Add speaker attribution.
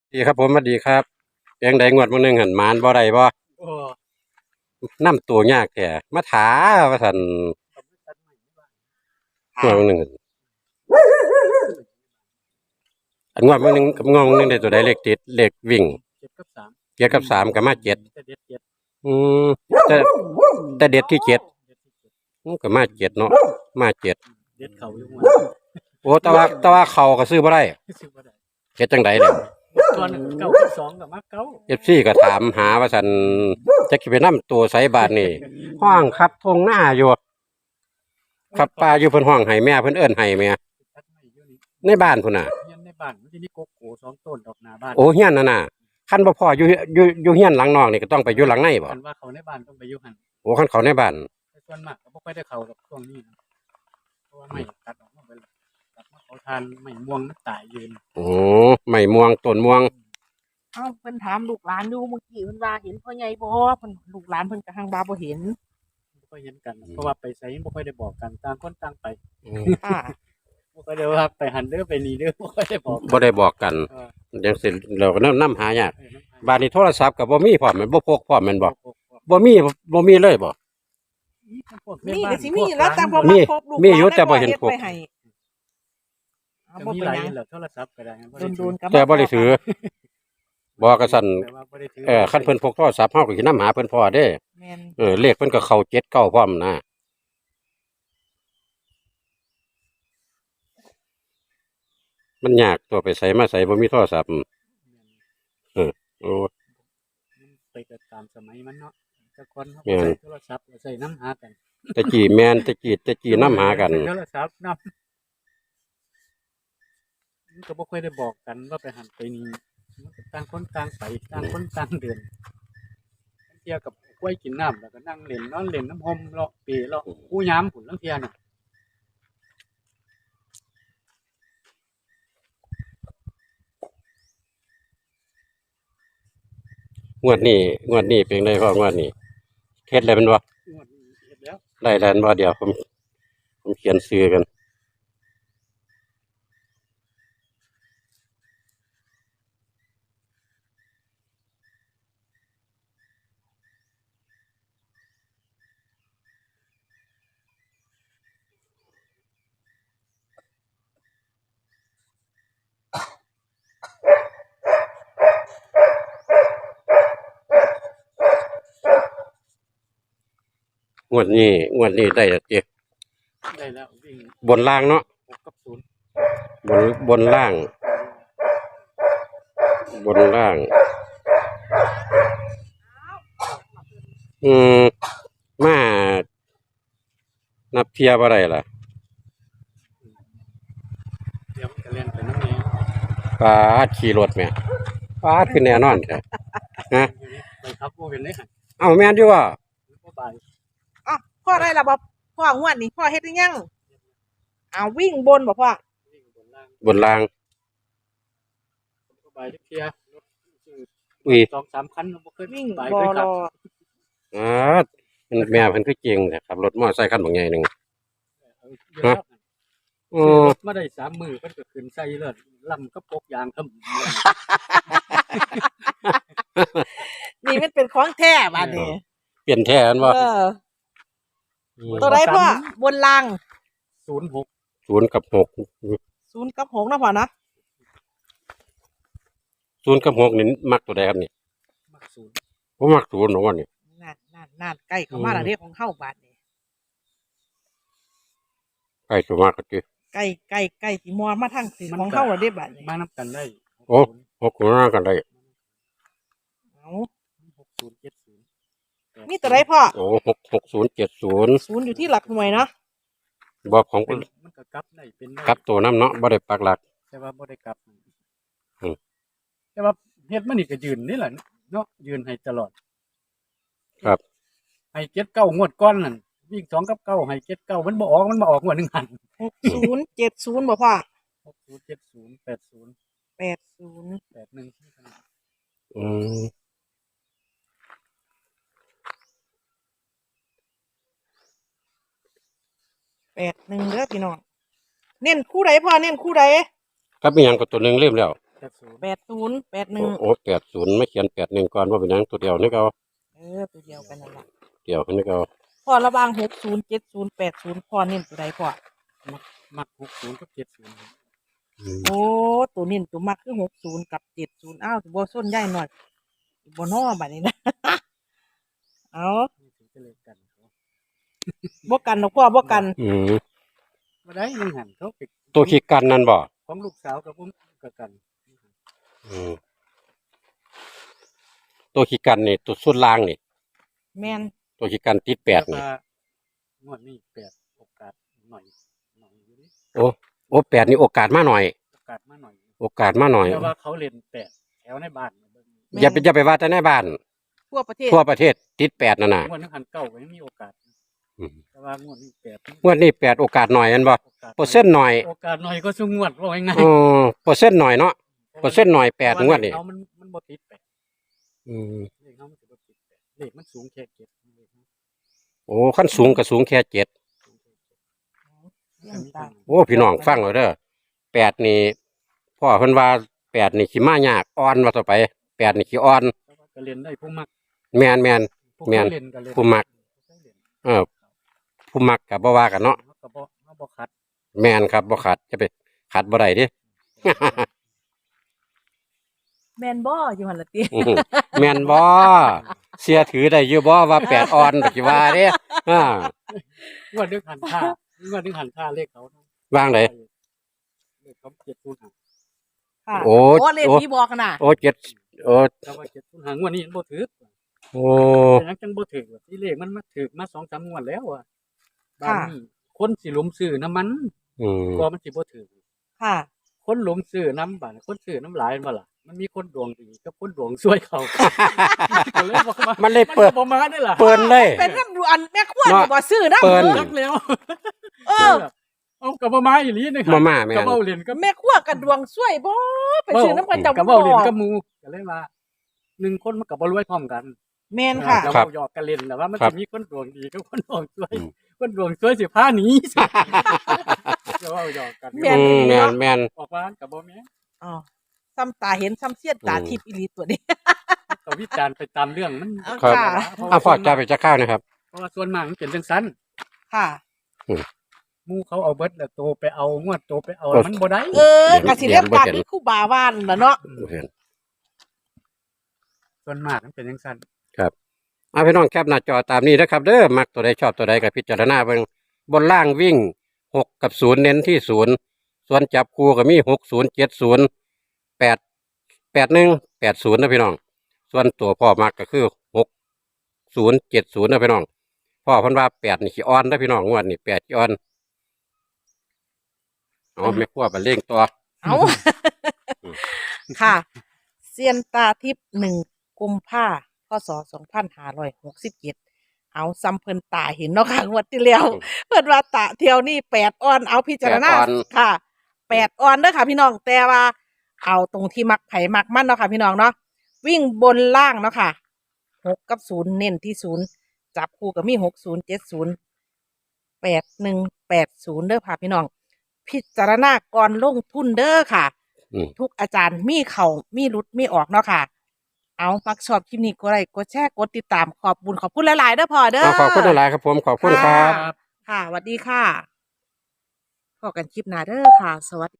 Speaker 1: ดีครับผมสวัสดีครับเพียงใดงวดมื้อหนึงหันหมานบ่ได้บ่
Speaker 2: โอ้
Speaker 1: นำตัวยากแท้มาถาว่าซั่น
Speaker 2: ผมไม่ตัดใหม่ที่บ้าน
Speaker 1: งวดมื้อหนึงอันงวดมื้อหนึงกับงวดมื้อหนึงได้ตัวใดเลขติดเลขวิ่ง
Speaker 2: เจ็ดกับสาม
Speaker 1: เจ็ดกับสามก็มาเจ็ด
Speaker 2: จะเด็ดเจ็ด
Speaker 1: อืมแต่แต่เด็ดที่เจ็ด
Speaker 2: เด็ดที่เจ็ด
Speaker 1: ก็มาเจ็ดเนาะมาเจ็ด
Speaker 2: เด็ดเขาอยู่หัว
Speaker 1: โอ้แต่ว่าเขาก็ซื้อบ่ได้
Speaker 2: ซื้อมาได้
Speaker 1: เฮ็ดจังได๋ล่ะ
Speaker 2: ตัวหนึ่งเก้ากับสองกับมาเก้า
Speaker 1: FC ก็ถามหาว่าซั่นจักสิไปนำตัวไสบาดนี่ห้องครับทงหน้าอยู่ครับป้าอยู่เพิ่นห้องให้แม่เพิ่นเอิ้นให้แม่
Speaker 2: ตัดใหม่อยู่นี่
Speaker 1: ในบ้านพุ่นน่ะ
Speaker 2: เฮียนในบ้านมันจะมีโกโก้สองต้นดอกหน้าบ้าน
Speaker 1: โอ้เฮียนนั่นน่ะคันบ่พออยู่เฮียนหลังนอกนี่ก็ต้องไปอยู่หลังในบ่
Speaker 2: คันว่าเขาในบ้านต้องไปอยู่หัน
Speaker 1: โอ้คันเขาในบ้าน
Speaker 2: แต่ส่วนมากก็บ่ค่อยได้เขาดอกช่วงนี้นะเพราะว่าไม่ตัดออกมาไปแล้วตัดมาเขาทานไม่ม่วงมันตายยืน
Speaker 1: โอ้ไม่ม่วงต้นม่วง
Speaker 3: เอ้าเพิ่นถามลูกหลานอยู่เมื่อกี้เพิ่นว่าเห็นพ่อใหญ่บ่เพิ่นลูกหลานเพิ่นก็หังว่าบ่เห็น
Speaker 2: บ่ค่อยเห็นกันเพราะว่าไปไสบ่ค่อยได้บอกกันต่างคนต่างไป
Speaker 3: ค่ะ
Speaker 2: บ่ค่อยได้ว่าไปหันเด้อไปนี่เด้อบ่ค่อยได้บอก
Speaker 1: บ่ได้บอกกัน
Speaker 2: เออ
Speaker 1: จังซี่เราก็นำหายาก
Speaker 2: เออน้ำหา
Speaker 1: บ้านนี้โทรศัพท์ก็บ่มีพร้อมแม่นบ่พกพร้อมแม่นบ่
Speaker 2: พวก
Speaker 1: บ่มีเลยบ่
Speaker 2: พวกแม่
Speaker 3: นี่
Speaker 2: บ้า
Speaker 3: ก็
Speaker 2: น
Speaker 3: สิมีแล้วแต่บ่
Speaker 1: มี
Speaker 3: มาพบลูก
Speaker 1: มีอยู่แต่บ่เห็นพวก
Speaker 3: ฮ็ดไว้ให้เอา
Speaker 2: ก็
Speaker 3: บ่
Speaker 2: มี
Speaker 3: เป็น
Speaker 2: หลาย
Speaker 3: หยัง
Speaker 2: แหละโทรศัพท์ก็ได้บ่ได้
Speaker 3: โดนๆก็
Speaker 1: แต่บ่ได้ถือบ่ก็สั่น
Speaker 2: แต่ว่าบ่ได้ถือ
Speaker 1: คันเพิ่นพกโทรศัพท์เฮาก็สินำหาเพิ่นพอเด้
Speaker 3: แม่น
Speaker 1: เลขเพิ่นก็เข้า7 9พร้อมนะมันยากตัวไปไสมาไสบ่มีโทรศัพท์โอ้
Speaker 2: ไปก็ตามสมัยมันเนาะแต่คนเขาก็ใช้โทรศัพท์ใช้น้ำหากัน
Speaker 1: แต่กี้แม่นแต่กี้นำหากัน
Speaker 2: ใช้โทรศัพท์นำมันก็บ่ค่อยได้บอกกันว่าไปหันไปนี่มันก็ต่างคนต่างไปต่างคนต่างเดินบางเที่ยกับกล้วยกินน้ำแล้วก็นั่งเล่นนอนเล่นน้ำห่มเลาะเปเลาะกู้ยามพุ่นลางเที่ยน่ะ
Speaker 1: งวดนี้เป็นไดพ่องวดนี้เฮ็ดแล้วแม่นบ่
Speaker 2: งวดนี้เฮ็ดแล้ว
Speaker 1: ได้แล้วแม่นบ่เดี๋ยวผมเขียนชื่อกันงวดนี้ได้แล้วติ
Speaker 2: ได้แล้ววิ่ง
Speaker 1: บนล่างเนาะ
Speaker 2: 6กับ0
Speaker 1: บนล่าง บนล่าง อืมมานับเทียบ่ได้ล่ะ
Speaker 2: เดี๋ยวมันก็เล่นไปน้ำแหน่
Speaker 1: ปาดขี่รถแม่ปาดคือแน่นอนแท้ฮะ
Speaker 2: ไปครับบ่เป็นได้หั่น
Speaker 1: เอ้าแม่นอยู่ว่า
Speaker 2: บ่บาย
Speaker 3: อ้าวพ่อได้ล่ะบ่พ่องวดนี้พ่อเฮ็ดหรือยังอ้าววิ่งบนบ่พ่อ
Speaker 2: วิ่งบนล่าง
Speaker 1: บนล่าง
Speaker 2: บ่บายจักเที่ยรถซื้อ
Speaker 1: อุ้ย
Speaker 2: 2-3 คันบ่เคย
Speaker 3: วิ่ง
Speaker 2: บาย
Speaker 3: บ่
Speaker 2: เคย
Speaker 3: ร
Speaker 2: ขับ
Speaker 3: อ
Speaker 1: แม่เพิ่นคือเก่งแท้ขับรถมอไซค์คันบักใหญ่หนึง
Speaker 2: เดี๋ยวแล้ว
Speaker 1: โอ้
Speaker 2: รถมาได้3 มื้อเพิ่นก็ขึ้นใส่เลิศลำกับปกยางครับ
Speaker 3: นี่มันเป็นของแท้บัดนี้
Speaker 1: เปลี่ยนแท้อันบ่
Speaker 3: เออตัวใดพ่อบนล่าง
Speaker 2: 06
Speaker 1: 0กับ6
Speaker 3: 0กับ6นะพ่อนะ
Speaker 1: 0กับ6นี่มักตัวใดครับนี่
Speaker 2: มัก0
Speaker 1: ผมมัก0เนาะว่านี่
Speaker 3: นั่นใกล้เข้ามาแล้วเด้ของเฮาบัดนี้
Speaker 1: ใกล้สิมากก็ติ
Speaker 3: ใกล้สิมอมาทางสิของเฮาแล้วเด้บัดนี้
Speaker 2: มานํกันได้
Speaker 1: โอ้6ก็มากันได้
Speaker 3: เอา
Speaker 2: 6070
Speaker 3: มีตัวใดพ่อ
Speaker 1: โอ้66070
Speaker 3: 0อยู่ที่หลักหน่วยเนาะ
Speaker 1: บ่ของ
Speaker 2: มันก็กลับได้เป็นได้
Speaker 1: กลับตัวนํเนาะบ่ได้ปักหลัก
Speaker 2: แต่ว่าบ่ได้กลับ
Speaker 1: อืม
Speaker 2: แต่ว่าเฮ็ดมันนี่ก็ยืนนี่แหละเนาะยืนให้ตลอด
Speaker 1: ครับ
Speaker 2: ให้79งวดก่อนนั่นวิ่ง2กับ9ให้79มันบ่ออกมันมาออกงวดหนึงหัน
Speaker 3: 6070บ่พ่อ
Speaker 2: 6070 80
Speaker 3: 80
Speaker 2: 81
Speaker 1: อืม
Speaker 3: 81เด้อพี่น้องเน้นคู่ใดพ่อเน้นคู่ใด
Speaker 1: ครับมีหยังก็ตัวหนึงลืมแล้ว
Speaker 2: แต่ 80
Speaker 3: 80
Speaker 1: โอ้80ไม่เขียน81ก่อนว่าเป็นหยังตัวเดียวนี่ก็
Speaker 3: ตัวเดียวกันนั่นล่ะ
Speaker 1: เดียวนี่ก็
Speaker 3: พ่อระหว่าง60 70 80พ่อเน้นตัวใดพ่อ
Speaker 2: มัก60กับ70ครับ
Speaker 3: โอ้ตัวเน้นตัวมักคือ60กับ70อ้าวบ่ส้นใหญ่หน่อยบ่น้อบัดนี้นะ เอา
Speaker 2: นี่ถือเป็นเลขกันเขา
Speaker 3: บ่กันดอกพ่อบ่กัน
Speaker 2: บ่ได้มึงหันเขาไป
Speaker 1: ตัวขี้กันนั่นบ่
Speaker 2: ของลูกสาวกับผมก็กัน
Speaker 1: อืมตัวขี้กันนี่ตัวสุดล่างนี่
Speaker 3: แม่น
Speaker 1: ตัวขี้กันติด8นี่
Speaker 2: แต่ว่างวดนี้8โอกาสหน่อยอยู่ดิ
Speaker 1: โอ้8นี่โอกาสมาหน่อย
Speaker 2: โอกาสมาหน่อย
Speaker 1: โอกาสมาหน่อย
Speaker 2: แต่ว่าเขาเล่น8แถวในบ้านเบิ่ง
Speaker 1: อย่าไปว่าแต่ในบ้าน
Speaker 3: ทั่วประเทศ
Speaker 1: ทั่วประเทศติด8นั่นน่ะ
Speaker 2: งวดนึงหันเก้าก็ยังมีโอกาส
Speaker 1: อืม
Speaker 2: แต่ว่างวดนี้8
Speaker 1: งวดนี้8โอกาสหน่อยอันบ่
Speaker 2: โอกาส
Speaker 1: เปอร์เซ็นต์หน่อย
Speaker 2: โอกาสหน่อยก็สู้งวดว่าง่าย
Speaker 1: เปอร์เซ็นต์หน่อยเนาะ
Speaker 2: ๆ
Speaker 1: เปอร์เซ็นต์หน่อย8งวดนี่
Speaker 2: เอามันบ่ติด8
Speaker 1: อืม
Speaker 2: เลขเขามันสิบ่ติด8เลขมันสูงแค่7เลขมัน
Speaker 1: โอ้ขั้นสูงก็สูงแค่7
Speaker 2: สูงแค่7
Speaker 3: เยี่ยมตา
Speaker 1: โอ้พี่น้องฟังเอาเด้อ8นี่พ่อเพิ่นว่า8นี่ขี้มายากอ่อนว่าต่อไป8นี่ขี้อ่อน
Speaker 2: แต่ว่าก็เล่นได้ผู้มัก
Speaker 1: แม่น
Speaker 2: ผู้
Speaker 1: แม่น
Speaker 2: เล่นก็เล่น
Speaker 1: ผู้มัก เออผู้มักก็บ่ว่ากันเนาะ
Speaker 2: เขาก็บ่ขัด
Speaker 1: แม่นครับบ่ขัดจะไปขัดบ่ได้เดิ
Speaker 3: แม่นบ่อยู่หั่นล่ะติ
Speaker 1: อื้อหือแม่นบ่เสียถือได้อยู่บ่ว่า8ออนปัจจุบันเด้อ่าง
Speaker 2: วดนึงหันท่างวดนึงหันท่าเลขเขานะ
Speaker 1: วางได
Speaker 2: เลขเขา705
Speaker 3: ค่ะ
Speaker 1: โอ้
Speaker 3: เลขที่บอกกันน่ะ
Speaker 1: โอ้7โอ้
Speaker 2: แต่ว่า705งวดนี้มันบ่ถือ
Speaker 1: โอ้
Speaker 2: เป็นหยังจังบ่ถือว่าที่เลขมันมาถือมา 2-3 งวดแล้วอ่ะบางนี้คนสิหลุมซื้อน้ำมัน
Speaker 1: อืม
Speaker 2: กว่ามันสิบ่ถือ
Speaker 3: ค่ะ
Speaker 2: คนหลุมซื้อน้ำบาดคนซื้อน้ำหลายบ่ล่ะมันมีคนดวงดีกับคนดวงซวยเขา ก็เลยบอกว่า
Speaker 1: มันเลยเปิด
Speaker 2: บ่มาได้ล่ะ
Speaker 1: เปิดเลย
Speaker 3: เป็นน้ำดูอันแม่ขวด
Speaker 1: เนาะ
Speaker 3: บ่ซื้อนะ
Speaker 1: เปิ้น
Speaker 2: รักแล้ว
Speaker 3: เออ
Speaker 2: เอากับบ่มาอีหลีนี่
Speaker 1: มาม่าแม่น
Speaker 2: กับเว้าเล่นกับ
Speaker 3: แม่ขวดกับดวงสวยบ่ไปซื้อน้ำกันเจ้า
Speaker 2: กับ
Speaker 3: บ่
Speaker 2: เว้าเล่นกับหมู่ก็เลยว่าหนึ่งคนมันก็บ่รวยพร้อมกัน
Speaker 3: แม่นค่ะ
Speaker 2: ก็
Speaker 1: ครับ
Speaker 2: เว้าหยอกกันเล่นแต่ว่ามัน
Speaker 1: ครั
Speaker 2: สิ
Speaker 1: บ
Speaker 2: มีคนดวงดีกับคนดวงซวย
Speaker 1: อืม
Speaker 2: คนดวงซวยสิพาหนี ก็เว้าหยอกกัน
Speaker 3: แม่น
Speaker 1: แม่น
Speaker 2: ออกมาก็บ่แม่น
Speaker 3: อ๋อซ้ำตาเห็นซ้ำเสียดตาทิพย์อีหลีตัวนี้
Speaker 2: ก็วิจารณ์ไปตามเรื่องมัน
Speaker 1: ครับ
Speaker 3: ค่ะ
Speaker 1: อ่ะพ่อจะไปจะข้าวนะครับ
Speaker 2: เพราะว่าส่วนมากมันเป็นจังซั่น
Speaker 3: ค่ะ
Speaker 2: หมู่เขาเอาเบิดแล้วโตไปเอางวดโตไปเอา
Speaker 1: เออ
Speaker 2: มันบ่ได้
Speaker 3: กะสิเรียกการที่ครูบาว่านล่ะเนาะ
Speaker 1: เห็น
Speaker 2: ส่วนมากมันเป็นจังซั่น
Speaker 1: ครับเอาพี่น้องแคปหน้าจอตามนี้นะครับ เด้อมักตัวใดชอบตัวใดก็พิจารณาเบิ่งบนล่างวิ่ง6กับ0เน้นที่0ส่วนจับคู่ก็มี60 70 881 80นะพี่น้องส่วนตัวพ่อมักก็คือ60 70นะพี่น้องพ่อเพิ่นว่า8นี่ขี้อ่อนนะพี่น้องงวดนี่8ขี้อ่อนเอาไม่ครัวไปเร่งตัว
Speaker 3: เอา
Speaker 1: อืม
Speaker 3: ค่ะเซียนตาทิพย์1 กุมภาพศ2567เอาซ้ำเพิ่นตาเห็นเนาะค่ะงวดที่แล้วเพิ่นว่าตาเที่ยวนี้8ออนเอาพิจารณา
Speaker 1: 8ออน
Speaker 3: ค่ะ8ออนเด้อค่ะพี่น้องแต่ว่าเอาตรงที่มักไผมักมันเนาะค่ะพี่น้องเนาะวิ่งบนล่างเนาะค่ะ6กับ0เน้นที่0จับคู่ก็มี60 70 81 80เด้อค่ะพี่น้อง พิจารณาก่อนลงทุนเด้อค่ะ
Speaker 1: อืม
Speaker 3: ทุกอาจารย์มีเขามีรุดมีออกเนาะค่ะ เอามักชอบคลิปนี้ก็ไลค์กดแชร์กดติดตามขอบบุญขอบคุณหลายๆเด้อพ่อเด้อ
Speaker 1: ขอบคุณหลายๆครับผมขอบคุณครับ
Speaker 3: ค่ะสวัสดีค่ะพบกันคลิปหน้าเด้อค่ะ สวัสดี